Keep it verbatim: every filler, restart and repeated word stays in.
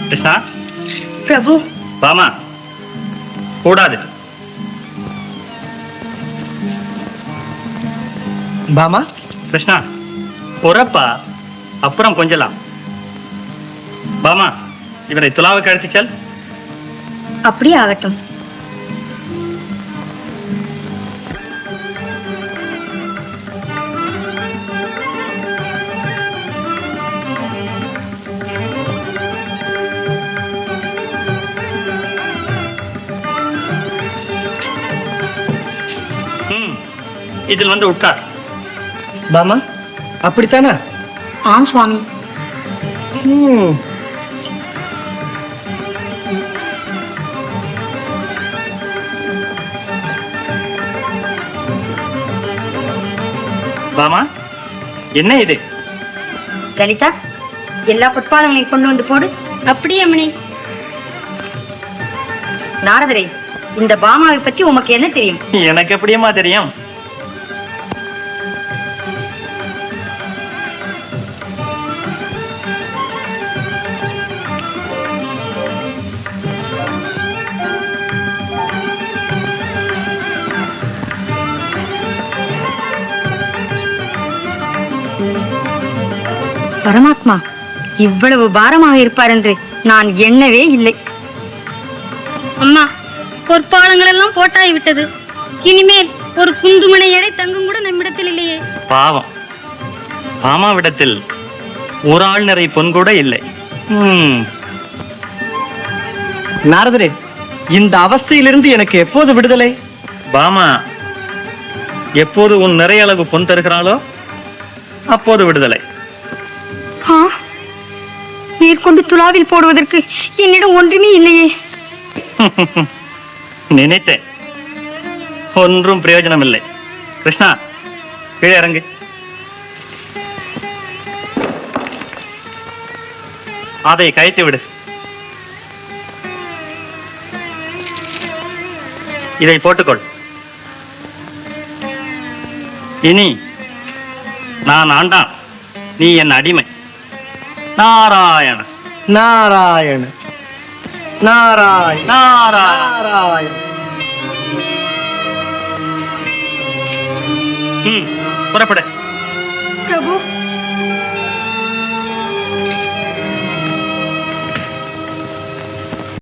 கிருஷ்ணா. பிரபு. பாமா. கூடாது. பாமா. கிருஷ்ணா பொறப்பா, அப்புறம் கொஞ்சலாம். பாமா, இவரை துலாவுக்கு அழைத்து செல். அப்படியே ஆகட்டும். இதில் வந்து உட்கார். பாமா, அப்படித்தானா? ஆம் சுவாமி. ம். பாமா, என்ன இது? லலிதா, எல்லா புட்பாலங்களையும் கொண்டு வந்து போடு. அப்படியே அம்மணி. நாரதரே, இந்த பாமாவை பற்றி உமக்கு என்ன தெரியும்? எனக்கு எப்படியம்மா தெரியும்? பரமாத்மா இவ்வளவு பாரமாக இருப்பார் என்று நான் எண்ணவே இல்லை. அம்மா, பொற்பாலங்கள் எல்லாம் போட்டாய் விட்டது. இனிமேல் ஒரு குந்துமனை எடை தங்கும் கூட நம்மிடத்தில் இல்லையே. பாவம், பாமாவிடத்தில் ஒரு ஆள் நிறை பொன் கூட இல்லை. நாரதரே, இந்த அவஸ்தையிலிருந்து எனக்கு எப்போது விடுதலை? பாமா எப்போது உன் நிறைய அளவு பொன் தருகிறாளோ அப்போது விடுதலை. நீர் கொண்டு துலாவில் போடுவதற்கு என்னிடம் ஒன்றுமே இல்லையே. நினைத்தேன், ஒன்றும் பிரயோஜனம் இல்லை. கிருஷ்ணா, கீழே இறங்கு. அதை கயத்தி விடு. இதை போட்டுக்கொள். இனி நான் ஆண்டான், நீ என் அடிமை. நாராயண நாராயண நாராயண நாராயண. ம், புறப்படு.